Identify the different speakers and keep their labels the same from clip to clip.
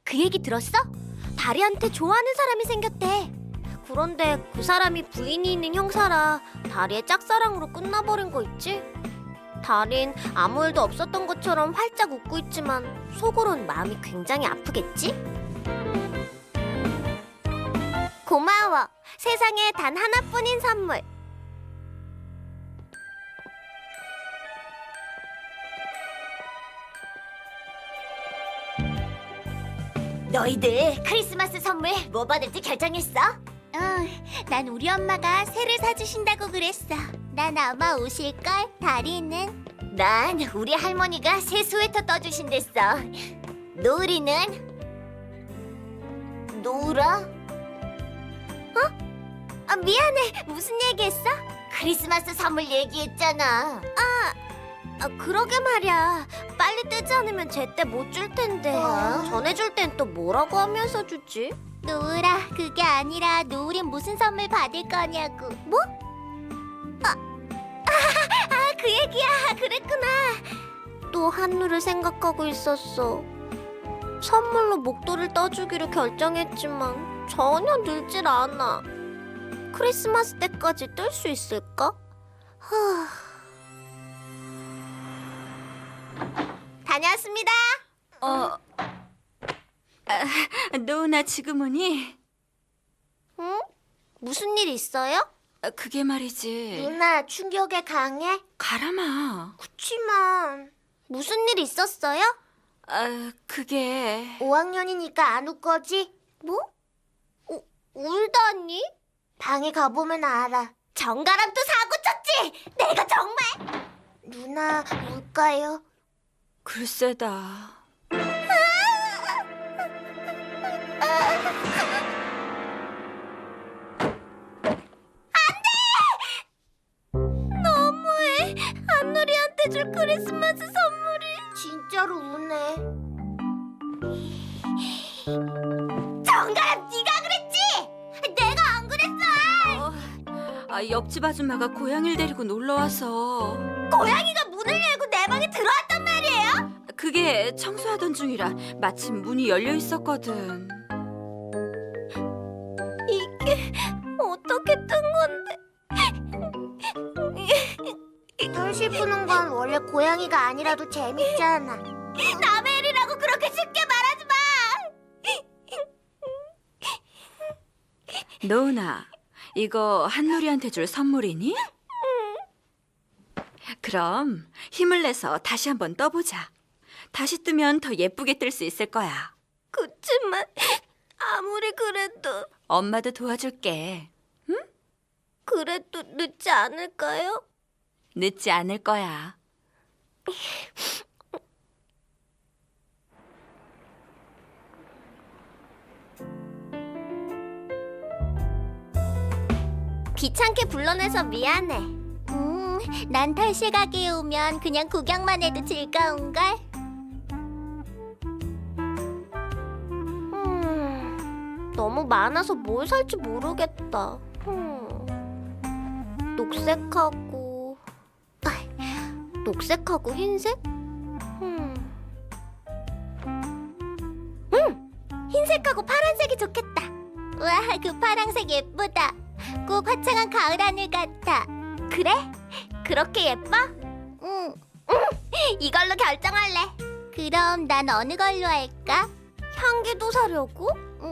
Speaker 1: 그 얘기 들었어? 다리한테 좋아하는 사람이 생겼대. 그런데 그 사람이 부인이 있는 형사라 다리의 짝사랑으로 끝나버린 거 있지? 다린 아무 일도 없었던 것처럼 활짝 웃고 있지만 속으론 마음이 굉장히 아프겠지? 고마워. 세상에 단 하나뿐인 선물. 너희들 크리스마스 선물 뭐 받을지 결정했어? 난 우리 엄마가 새를 사주신다고 그랬어. 난 아마 옷일걸, 다리는? 난 우리 할머니가 새 스웨터 떠주신댔어. 노을이는? 노을아? 미안해. 무슨 얘기했어? 크리스마스 선물 얘기했잖아. 그러게 말이야. 빨리 뜨지 않으면 제때 못 줄 텐데. 전해줄 땐 또 뭐라고 하면서 주지? 노을아, 그게 아니라 노을이 무슨 선물 받을 거냐고. 뭐? 그 얘기야. 그랬구나. 또 한누를 생각하고 있었어. 선물로 목도를 떠주기로 결정했지만 전혀 늘질 않아. 크리스마스 때까지 뜰 수 있을까? 다녀왔습니다.
Speaker 2: 노은아 지금 오니?
Speaker 1: 응? 무슨 일 있어요?
Speaker 2: 그게 말이지.
Speaker 1: 누나 충격에 강해?
Speaker 2: 가라마.
Speaker 1: 그치만 무슨 일 있었어요?
Speaker 2: 그게
Speaker 1: 5학년이니까 안 울 거지? 뭐? 울다니? 방에 가보면 알아. 정가랑 또 사고 쳤지? 내가 정말! 누나 울까요?
Speaker 2: 글쎄다.
Speaker 1: 너무해. 한누리한테 줄 크리스마스 선물이 진짜로 우네. 정가람 네가 그랬지? 내가 안 그랬어.
Speaker 2: 옆집 아줌마가 고양이를 데리고 놀러와서
Speaker 1: 고양이가 문을 열고 내 방에 들어왔단 말이에요?
Speaker 2: 그게 청소하던 중이라 마침 문이 열려 있었거든.
Speaker 1: 이게 어떻게 뜬 건데? 털실 푸는 건 원래 고양이가 아니라도 재밌잖아. 남의 일이라고 그렇게 쉽게 말하지 마.
Speaker 2: 노은아, 이거 한누리한테 줄 선물이니? 그럼 힘을 내서 다시 한번 떠보자. 다시 뜨면 더 예쁘게 뜰 수 있을 거야.
Speaker 1: 그치만 아무리 그래도
Speaker 2: 엄마도 도와줄게.
Speaker 1: 그래도 늦지 않을까요?
Speaker 2: 늦지 않을 거야.
Speaker 1: 귀찮게 불러내서 미안해. 난 털실 가게에 오면 그냥 구경만 해도 즐거운걸? 너무 많아서 뭘 살지 모르겠다. 녹색하고 흰색? 흰색하고 파란색이 좋겠다. 와, 그 파란색 예쁘다. 꼭 화창한 가을 하늘 같아. 그래? 그렇게 예뻐? 응. 이걸로 결정할래. 그럼 난 어느 걸로 할까? 향기도 사려고?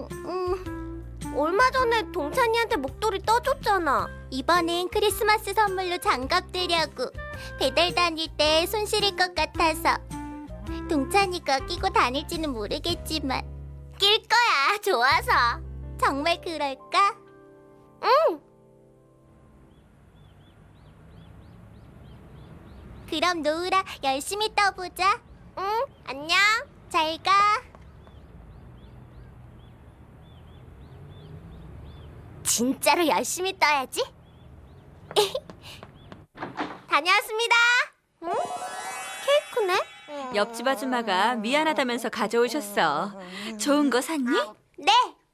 Speaker 1: 얼마 전에 동찬이한테 목도리 떠줬잖아. 이번엔 크리스마스 선물로 장갑 드려고. 배달 다닐 때 손 시릴 것 같아서. 동찬이가 끼고 다닐지는 모르겠지만 낄 거야, 좋아서. 정말 그럴까? 응. 그럼 노을아, 열심히 떠보자. 응, 안녕. 잘 가. 진짜로 열심히 떠야지. 다녀왔습니다. 응? 케이크네?
Speaker 2: 옆집 아줌마가 미안하다면서 가져오셨어. 좋은 거 샀니?
Speaker 1: 네.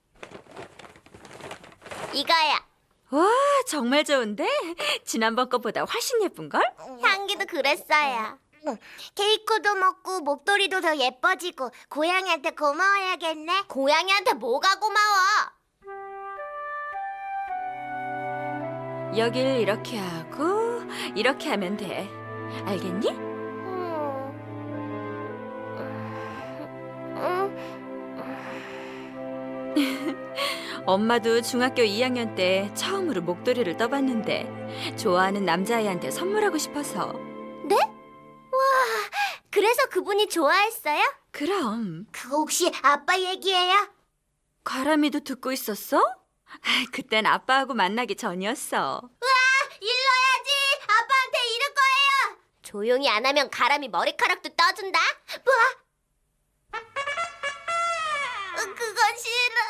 Speaker 1: 이거야.
Speaker 2: 와, 정말 좋은데? 지난번 거보다 훨씬 예쁜걸?
Speaker 1: 향기도 그랬어요. 케이크도 먹고 목도리도 더 예뻐지고 고양이한테 고마워야겠네. 고양이한테 뭐가 고마워?
Speaker 2: 여길 이렇게 하고 이렇게 하면 돼. 알겠니? 엄마도 중학교 2학년 때 처음으로 목도리를 떠봤는데 좋아하는 남자아이한테 선물하고 싶어서.
Speaker 1: 네? 와, 그래서 그분이 좋아했어요?
Speaker 2: 그럼.
Speaker 1: 그거 혹시 아빠 얘기예요?
Speaker 2: 가람이도 듣고 있었어? 그땐 아빠하고 만나기 전이었어.
Speaker 1: 일러야지! 아빠한테 이럴 거예요! 조용히 안 하면 가람이 머리카락도 떠준다? 뭐? 그건 싫어.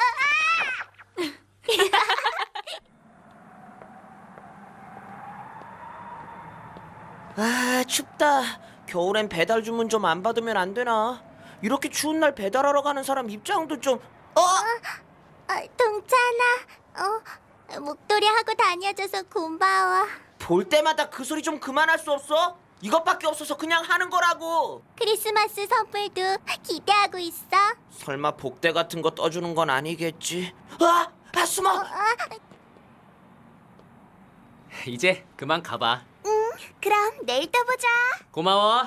Speaker 3: 아, 춥다. 겨울엔 배달 주문 좀 안 받으면 안 되나? 이렇게 추운 날 배달하러 가는 사람 입장도 좀...
Speaker 1: 동찬아, 목도리 하고 다녀줘서 고마워.
Speaker 3: 볼 때마다 그 소리 좀 그만할 수 없어? 이것밖에 없어서 그냥 하는 거라고.
Speaker 1: 크리스마스 선물도 기대하고 있어.
Speaker 3: 설마 복대 같은 거 떠주는 건 아니겠지? 숨어!
Speaker 4: 이제 그만 가봐.
Speaker 1: 그럼 내일 또 보자.
Speaker 4: 고마워.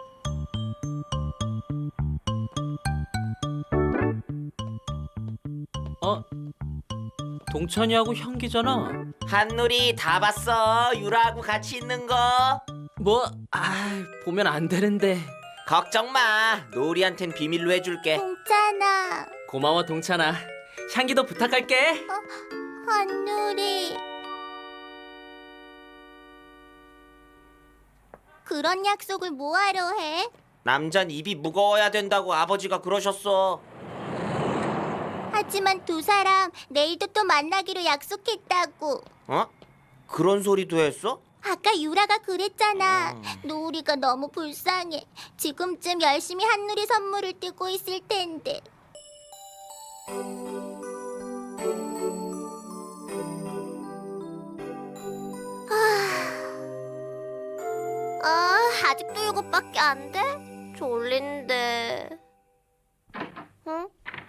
Speaker 4: 동찬이하고 형기잖아.
Speaker 3: 한누리 다 봤어. 유라하고 같이 있는 거.
Speaker 4: 뭐? 보면 안 되는데.
Speaker 3: 걱정 마. 노을이한텐 비밀로 해줄게.
Speaker 1: 동찬아,
Speaker 4: 고마워 동찬아. 향기도 부탁할게.
Speaker 1: 한누리. 그런 약속을 뭐하러 해?
Speaker 3: 남잔 입이 무거워야 된다고 아버지가 그러셨어.
Speaker 1: 하지만 두 사람 내일도 또 만나기로 약속했다고.
Speaker 3: 어? 그런 소리도 했어?
Speaker 1: 아까 유라가 그랬잖아. 노을이가 너무 불쌍해. 지금쯤 열심히 한누리 선물을 뜨고 있을 텐데. 아직도 이것밖에 안 돼? 졸린데. 응?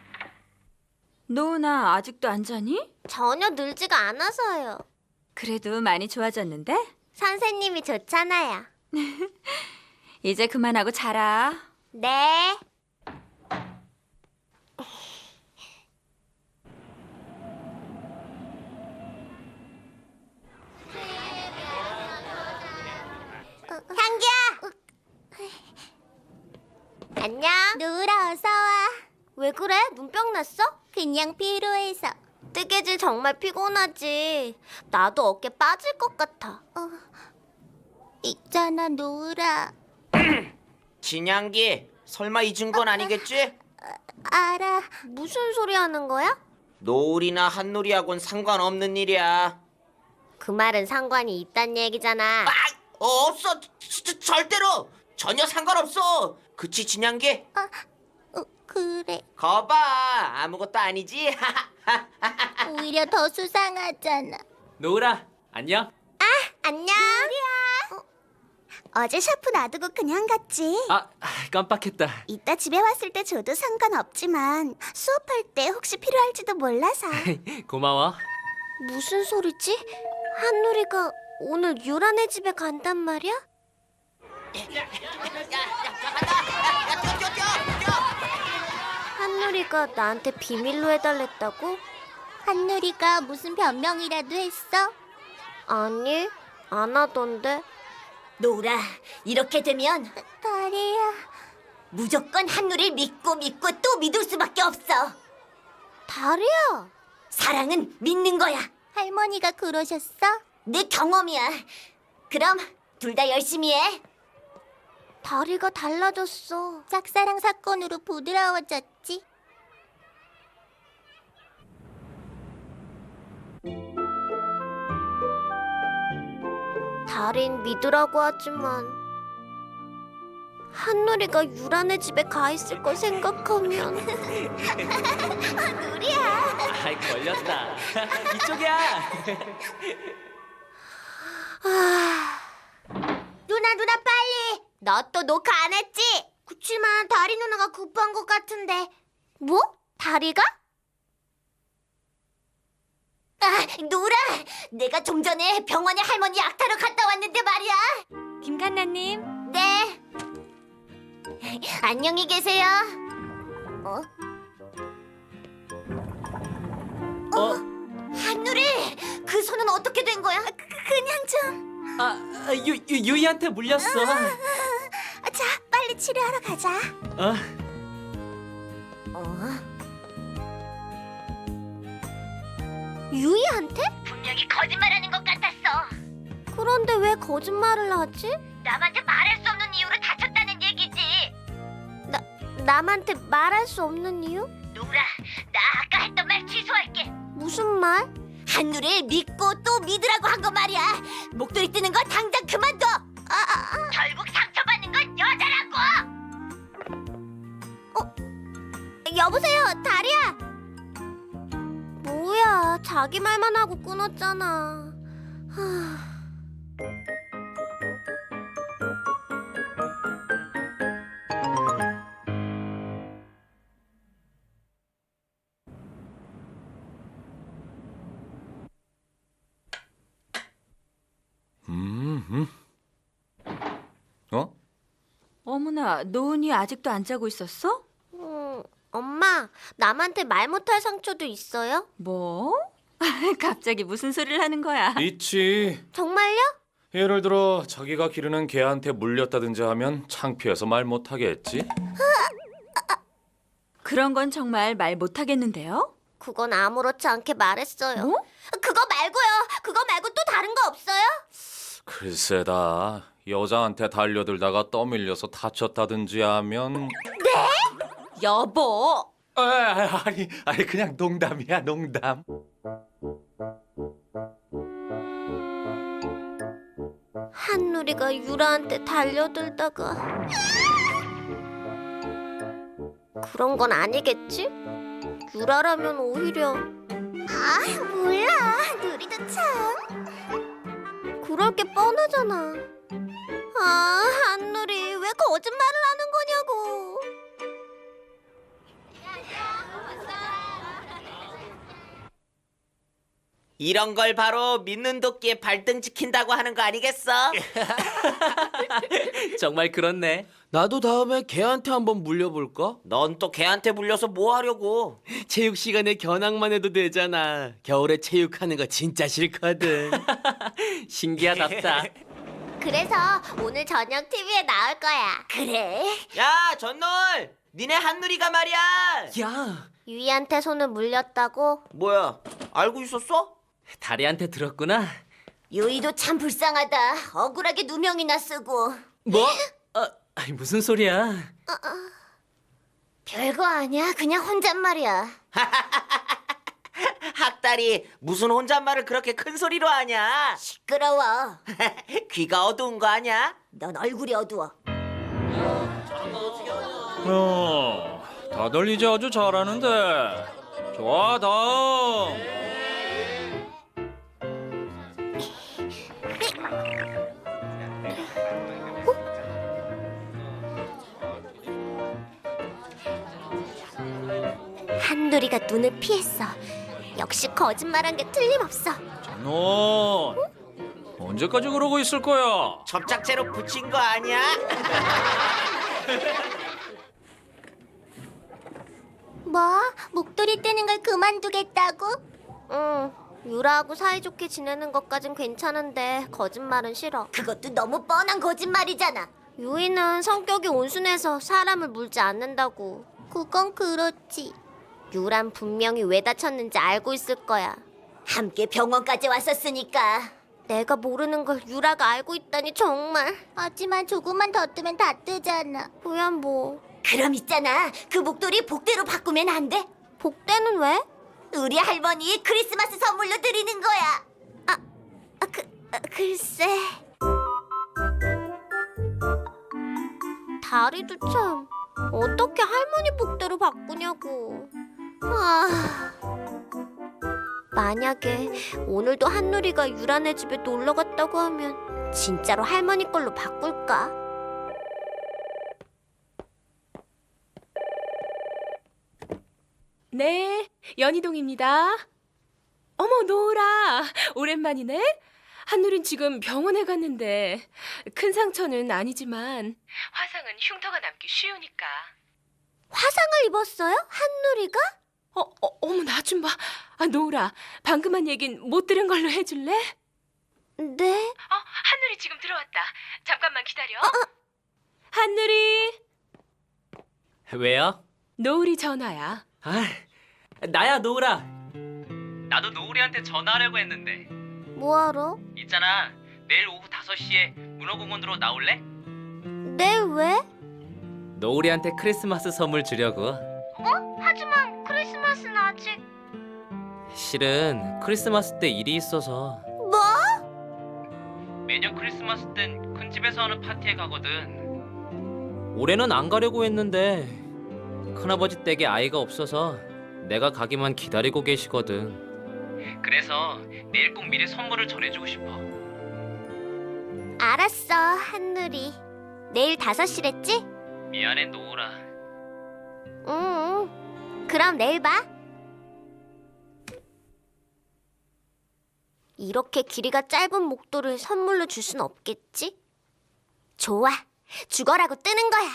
Speaker 2: 노은아, 아직도 안 자니?
Speaker 1: 전혀 늘지가 않아서요.
Speaker 2: 그래도 많이 좋아졌는데?
Speaker 1: 선생님이 좋잖아요.
Speaker 2: 이제 그만하고 자라.
Speaker 1: 네. 향기야! 안녕. 노을아, 어서 와. 왜 그래? 눈병 났어? 그냥 피로해서. 뜨개질 정말 피곤하지. 나도 어깨 빠질 것 같아. 있잖아, 노을아.
Speaker 3: 진양기, 설마 잊은 건 아니겠지?
Speaker 1: 알아. 무슨 소리 하는 거야?
Speaker 3: 노을이나 한누리하고는 상관없는 일이야.
Speaker 1: 그 말은 상관이 있단 얘기잖아.
Speaker 3: 없어. 절대로. 전혀 상관없어. 그치, 진양기?
Speaker 1: 그래.
Speaker 3: 거봐. 아무것도 아니지?
Speaker 1: 오히려 더 수상하잖아.
Speaker 4: 노을아, 안녕.
Speaker 1: 안녕. 어제 샤프 놔두고 그냥 갔지.
Speaker 4: 깜빡했다.
Speaker 1: 이따 집에 왔을 때 줘도 상관없지만 수업할 때 혹시 필요할지도 몰라서.
Speaker 4: 고마워.
Speaker 1: 무슨 소리지? 한누리가 오늘 유라네 집에 간단 말이야? 한누리가 나한테 비밀로 해달랬다고? 한누리가 무슨 변명이라도 했어? 아니, 안 하던데.
Speaker 5: 노라, 이렇게 되면
Speaker 1: 다리야.
Speaker 5: 무조건 한누리를 믿고 또 믿을 수밖에 없어.
Speaker 1: 다리야.
Speaker 5: 사랑은 믿는 거야.
Speaker 1: 할머니가 그러셨어?
Speaker 5: 내 경험이야. 그럼 둘 다 열심히 해.
Speaker 1: 다리가 달라졌어. 짝사랑 사건으로 부드러워졌지. 다린 믿으라고 하지만 한누리가 유라네 집에 가 있을 걸 생각하면 누리야.
Speaker 4: 걸렸다. 이쪽이야.
Speaker 1: 누나 빨리. 너 또 녹화 안 했지? 그치만 다리 누나가 급한 것 같은데. 뭐? 다리가?
Speaker 5: 아, 노라! 내가 좀 전에 병원에 할머니 약 타러 갔다 왔는데 말이야.
Speaker 2: 김간나님.
Speaker 5: 네. 안녕히 계세요. 어? 한누리! 그 손은 어떻게 된 거야? 그냥 좀...
Speaker 4: 유이한테 물렸어.
Speaker 1: 자, 빨리 치료하러 가자.
Speaker 4: 어?
Speaker 1: 유이한테?
Speaker 5: 분명히 거짓말하는 것 같았어.
Speaker 1: 그런데 왜 거짓말을 하지?
Speaker 5: 남한테 말할 수 없는 이유로 다쳤다는 얘기지.
Speaker 1: 남한테 말할 수 없는 이유?
Speaker 5: 노라, 나 아까 했던 말 취소할게.
Speaker 1: 무슨 말?
Speaker 5: 한누리를 믿고 또 믿으라고 한 거 말이야. 목도리 뜨는 거 당장 그만둬. 결국 상처받는 건 여자라고.
Speaker 1: 여보세요, 다리야. 뭐야, 자기 말만 하고 끊었잖아.
Speaker 6: 어?
Speaker 2: 어머나, 노은이 아직도 안 자고 있었어?
Speaker 1: 엄마, 남한테 말 못할 상처도 있어요?
Speaker 2: 뭐? 갑자기 무슨 소리를 하는 거야?
Speaker 6: 있지.
Speaker 1: 정말요?
Speaker 6: 예를 들어 자기가 기르는 개한테 물렸다든지 하면 창피해서 말 못하겠지.
Speaker 2: 그런 건 정말 말 못하겠는데요?
Speaker 1: 그건 아무렇지 않게 말했어요.
Speaker 2: 뭐?
Speaker 1: 그거 말고요. 그거 말고 또 다른 거 없어요?
Speaker 6: 글쎄다. 여자한테 달려들다가 떠밀려서 다쳤다든지 하면.
Speaker 2: 여보!
Speaker 6: 아니 그냥 농담이야, 농담.
Speaker 1: 한누리가 유라한테 달려들다가 그런 건 아니겠지? 유라라면 오히려 몰라. 누리도 참 그럴 게 뻔하잖아. 한누리 왜 거짓말을 하는 거냐고.
Speaker 3: 이런 걸 바로 믿는 도끼에 발등 찍힌다고 하는 거 아니겠어?
Speaker 4: 정말 그렇네.
Speaker 7: 나도 다음에 걔한테 한번 물려볼까?
Speaker 3: 넌 또 걔한테 물려서 뭐 하려고?
Speaker 7: 체육 시간에 견학만 해도 되잖아. 겨울에 체육하는 거 진짜 싫거든.
Speaker 4: 신기하답다.
Speaker 1: 그래서 오늘 저녁 TV에 나올 거야.
Speaker 5: 그래?
Speaker 3: 야, 전놀! 니네 한누리가 말이야!
Speaker 4: 야,
Speaker 1: 유이한테 손을 물렸다고?
Speaker 3: 뭐야, 알고 있었어?
Speaker 4: 다리한테 들었구나.
Speaker 5: 유이도 참 불쌍하다. 억울하게 누명이나 쓰고.
Speaker 4: 뭐? 아니, 무슨 소리야?
Speaker 5: 별거 아니야. 그냥 혼잣말이야.
Speaker 3: 학다리, 무슨 혼잣말을 그렇게 큰 소리로 하냐?
Speaker 5: 시끄러워.
Speaker 3: 귀가 어두운 거 아냐?
Speaker 5: 넌 얼굴이 어두워.
Speaker 6: 다들 이제 아주 잘하는데. 좋아, 다음.
Speaker 1: 한누리가 눈을 피했어. 역시 거짓말한 게 틀림없어.
Speaker 6: 너 언제까지 그러고 있을 거야?
Speaker 3: 접착제로 붙인 거 아니야?
Speaker 1: 뭐? 목도리 떼는 걸 그만두겠다고? 응. 유라하고 사이좋게 지내는 것까진 괜찮은데 거짓말은 싫어.
Speaker 5: 그것도 너무 뻔한 거짓말이잖아.
Speaker 1: 유이는 성격이 온순해서 사람을 물지 않는다고. 그건 그렇지. 유란 분명히 왜 다쳤는지 알고 있을 거야.
Speaker 5: 함께 병원까지 왔었으니까.
Speaker 1: 내가 모르는 걸 유라가 알고 있다니 정말. 하지만 조금만 더 뜨면 다 뜨잖아. 뭐야 뭐.
Speaker 5: 그럼 있잖아. 그 목도리 복대로 바꾸면 안 돼?
Speaker 1: 복대는 왜?
Speaker 5: 우리 할머니 크리스마스 선물로 드리는 거야.
Speaker 1: 글쎄. 다리도 참. 어떻게 할머니 복대로 바꾸냐고. 만약에 오늘도 한누리가 유라네 집에 놀러 갔다고 하면 진짜로 할머니 걸로 바꿀까?
Speaker 8: 네, 연희동입니다. 어머, 노을아, 오랜만이네. 한누린 지금 병원에 갔는데 큰 상처는 아니지만 화상은 흉터가 남기 쉬우니까.
Speaker 1: 화상을 입었어요? 한누리가?
Speaker 8: 어머, 나 좀 봐. 노을아, 방금 한 얘긴 못 들은 걸로 해줄래?
Speaker 1: 네.
Speaker 8: 한누리 지금 들어왔다. 잠깐만 기다려. 한누리,
Speaker 4: 왜요?
Speaker 8: 노을이 전화야.
Speaker 4: 아, 나야 노을아. 나도 노을이한테 전화하려고 했는데.
Speaker 1: 뭐하러?
Speaker 4: 있잖아. 내일 오후 5시에 문어공원으로 나올래?
Speaker 1: 네, 왜?
Speaker 4: 노을이한테 크리스마스 선물 주려고.
Speaker 1: 하지만 크리스마스는 아직...
Speaker 4: 실은 크리스마스 때 일이 있어서.
Speaker 1: 뭐?
Speaker 4: 매년 크리스마스 땐 큰 집에서 하는 파티에 가거든. 올해는 안 가려고 했는데 큰아버지 댁에 아이가 없어서 내가 가기만 기다리고 계시거든. 그래서 내일 꼭 미리 선물을 전해주고 싶어.
Speaker 1: 알았어, 한누리. 내일 5시랬지?
Speaker 4: 미안해 노을아.
Speaker 1: 응. 그럼 내일 봐. 이렇게 길이가 짧은 목도를 선물로 줄 순 없겠지? 좋아. 죽어라고 뜨는 거야.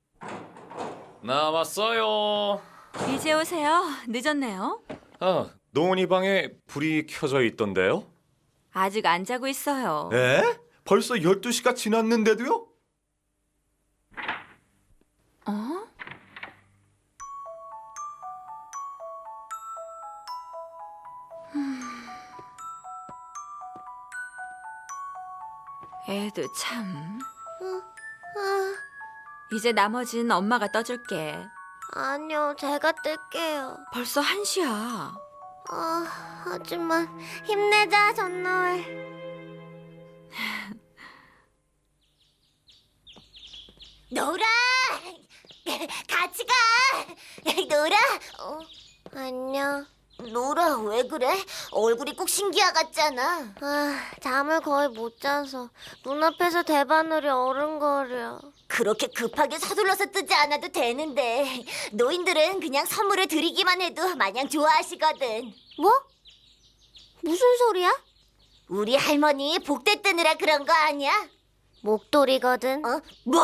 Speaker 6: 나왔어요.
Speaker 2: 이제 오세요. 늦었네요.
Speaker 6: 노은이 방에 불이 켜져 있던데요?
Speaker 2: 아직 안 자고 있어요.
Speaker 9: 에? 벌써 12시가 지났는데도요?
Speaker 2: 어? 애도 참. 이제 나머진 엄마가 떠줄게.
Speaker 1: 아니요, 제가 뜰게요.
Speaker 2: 벌써 1시야.
Speaker 1: 하지만 힘내자, 전노을.
Speaker 5: 노라, 같이 가. 노라.
Speaker 1: 안녕.
Speaker 5: 노라, 왜 그래? 얼굴이 꼭 신기하 같잖아.
Speaker 1: 잠을 거의 못 자서 눈앞에서 대바늘이 어른거려.
Speaker 5: 그렇게 급하게 서둘러서 뜨지 않아도 되는데 노인들은 그냥 선물을 드리기만 해도 마냥 좋아하시거든.
Speaker 1: 뭐? 무슨 소리야?
Speaker 5: 우리 할머니 복대 뜨느라 그런 거 아니야?
Speaker 1: 목도리거든.
Speaker 5: 뭐?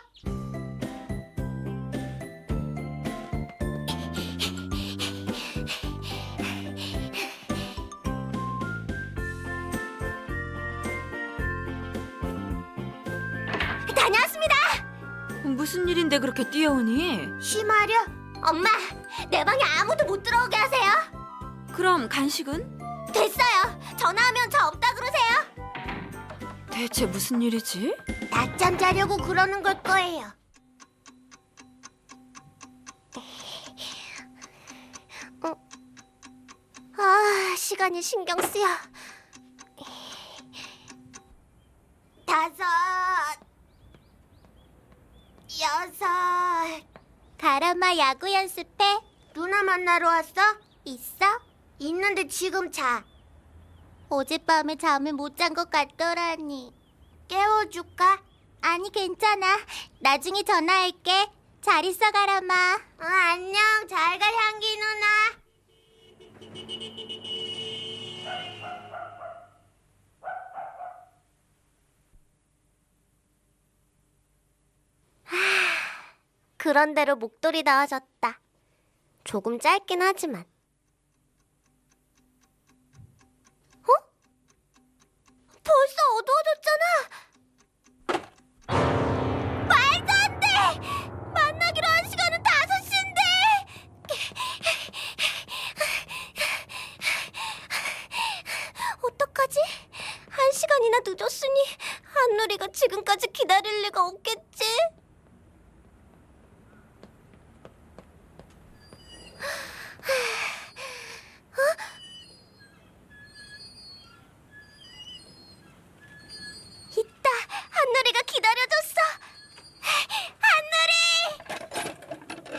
Speaker 5: 다녀왔습니다.
Speaker 2: 무슨 일인데 그렇게 뛰어오니?
Speaker 1: 쉬마려?
Speaker 5: 엄마, 내 방에 아무도 못 들어오게 하세요.
Speaker 2: 그럼 간식은?
Speaker 5: 됐어요. 전화하면 저 없다 그러세요.
Speaker 2: 대체 무슨 일이지?
Speaker 1: 낮잠 자려고 그러는 걸 거예요. 시간이 신경 쓰여.
Speaker 5: 5, 6.
Speaker 1: 가람아, 야구 연습해? 누나 만나러 왔어? 있어? 있는데 지금 자. 어젯밤에 잠을 못 잔 것 같더라니. 깨워줄까? 아니, 괜찮아. 나중에 전화할게. 잘 있어, 가람아. 안녕. 잘 가, 향기 누나. 그런대로 목도리 나와줬다. 조금 짧긴 하지만. 벌써 어두워졌잖아. 말도 안 돼. 만나기로 한 시간은 5시인데. 어떡하지? 1시간이나 늦었으니 한누리가 지금까지 기다릴 리가 없겠지? 있다. 한누리가 기다려줬어. 한누리!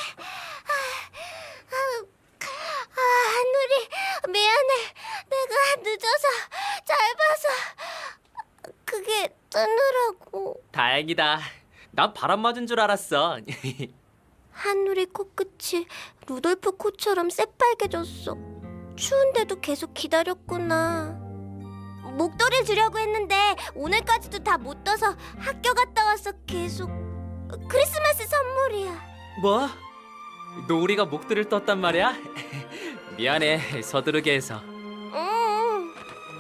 Speaker 1: 한누리, 미안해. 내가 늦어서 잘 봐서 그게 뜨느라고.
Speaker 4: 다행이다. 난 바람 맞은 줄 알았어.
Speaker 1: 한누리 코끝이 루돌프 코처럼 새빨개졌어. 추운데도 계속 기다렸구나. 목도리를 주려고 했는데 오늘까지도 다 못 떠서 학교 갔다 와서 계속. 크리스마스 선물이야.
Speaker 4: 뭐? 노을이가 목도리를 떴단 말이야? 미안해, 서두르게 해서.
Speaker 1: 응.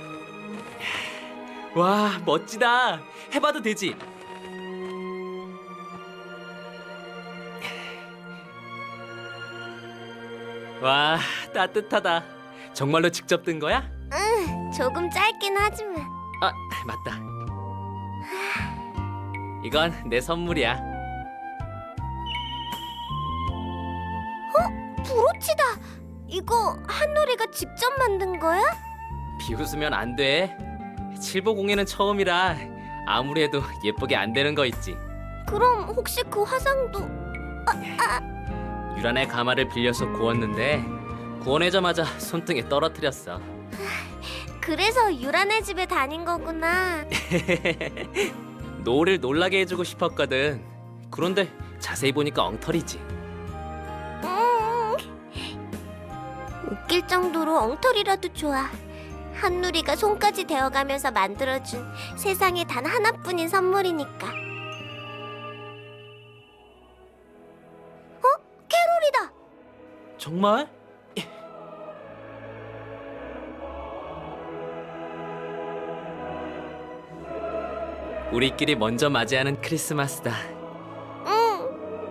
Speaker 4: 와, 멋지다. 해봐도 되지? 와, 따뜻하다. 정말로 직접 뜬 거야?
Speaker 1: 응, 조금 짧긴 하지만.
Speaker 4: 아, 맞다. 이건 내 선물이야.
Speaker 1: 브로치다. 이거 한노리가 직접 만든 거야?
Speaker 4: 비웃으면 안 돼. 칠보공예는 처음이라 아무리 해도 예쁘게 안 되는 거 있지.
Speaker 1: 그럼 혹시 그 화상도?
Speaker 4: 유란의 가마를 빌려서 구웠는데 구워내자마자 손등에 떨어뜨렸어.
Speaker 1: 그래서 유란의 집에 다닌 거구나.
Speaker 4: 노을을 놀라게 해주고 싶었거든. 그런데 자세히 보니까 엉터리지.
Speaker 1: 웃길 정도로 엉터리라도 좋아. 한누리가 손까지 대어가면서 만들어준 세상에 단 하나뿐인 선물이니까. 캐롤이다.
Speaker 4: 정말? 우리끼리 먼저 맞이하는 크리스마스다.
Speaker 1: 응.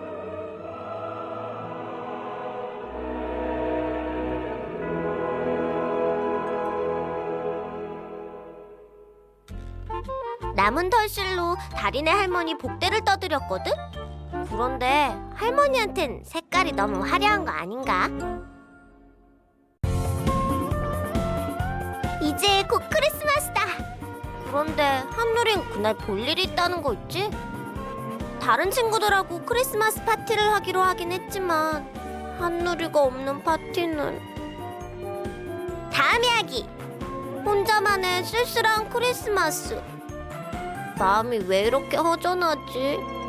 Speaker 1: 남은 털실로 달인의 할머니 복대를 떠드렸거든? 그런데 할머니한텐 색깔이 너무 화려한 거 아닌가? 이제 곧 크리스마스다. 그런데 한누린 그날 볼 일이 있다는 거 있지? 다른 친구들하고 크리스마스 파티를 하기로 하긴 했지만 한누리가 없는 파티는 다음 이야기! 혼자만의 쓸쓸한 크리스마스. 마음이 왜 이렇게 허전하지?